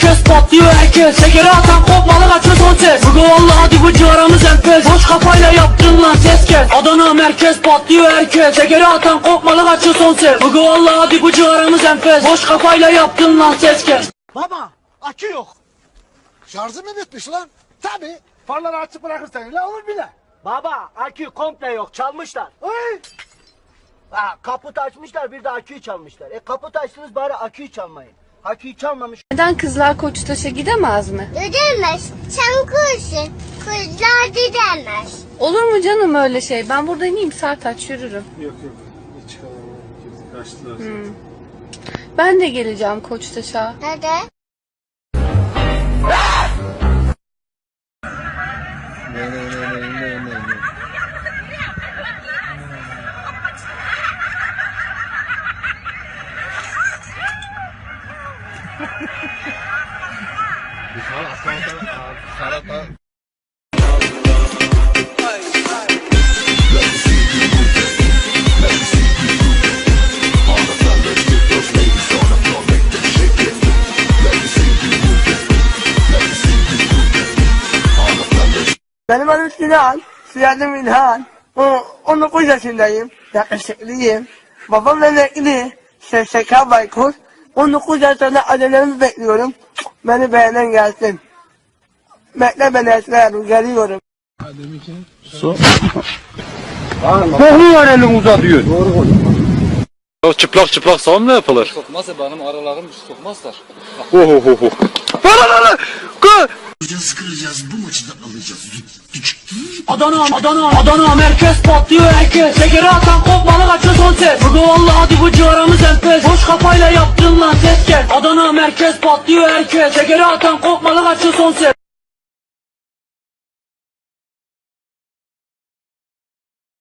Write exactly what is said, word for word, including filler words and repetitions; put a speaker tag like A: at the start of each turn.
A: merkez patlıyor herkes. Şekeri atan kopmalı kaçıyor son ses. Bugü valla hadi bu civarımız enfes. Boş kafayla yaptın lan ses kes. Adana merkez patlıyor herkes. Şekeri atan kopmalı kaçıyor son ses. Bugü valla hadi bu civarımız enfes. Boş kafayla yaptın lan ses kes.
B: Baba akü yok. Şarjı mı bitmiş lan? Tabi. Farları açık bırakırsan öyle olur bile.
C: Baba akü komple yok, çalmışlar.
B: Oy.
C: Ha, kaput açmışlar, bir de aküyü çalmışlar. E kaput açtınız, bari aküyü çalmayın. Aküyü çalmamış.
D: Neden kızlar Koçtaş'a gidemez mi?
E: Gidemez. Sen kursun. Kızlar gidemez.
D: Olur mu canım öyle şey? Ben burada ineyim Sertaç yürürüm.
F: Yok yok. Hiç çıkamam. Kaçtılar.
D: Hmm. Ben de geleceğim Koçtaş'a.
E: Neden?
G: Benim adım Sinan, soyadım İlhan. O- on dokuz yaşındayım, yakışıklıyım. Babam emekli, S S K Baykur. on dokuz yaşında adelerimi bekliyorum. Beni beğenen gelsin. Bekle beni Esra Hanım, geliyorum.
H: O çıplak çıplak sağım mı yapılır?
I: Sokmazsa benim aralarım sokmazlar.
H: Ohohoho. Lan lan lan. Gol.
A: Adana, Adana, Adana merkez patlıyor herkes. Şekeri atan kopmalı kaçıyor son ses. Bugü valla hadi bu civarımız enfes. Boş kafayla yaptın lan ses kes. Adana merkez patlıyor herkes. Şekeri atan kopmalı kaçıyor son ses.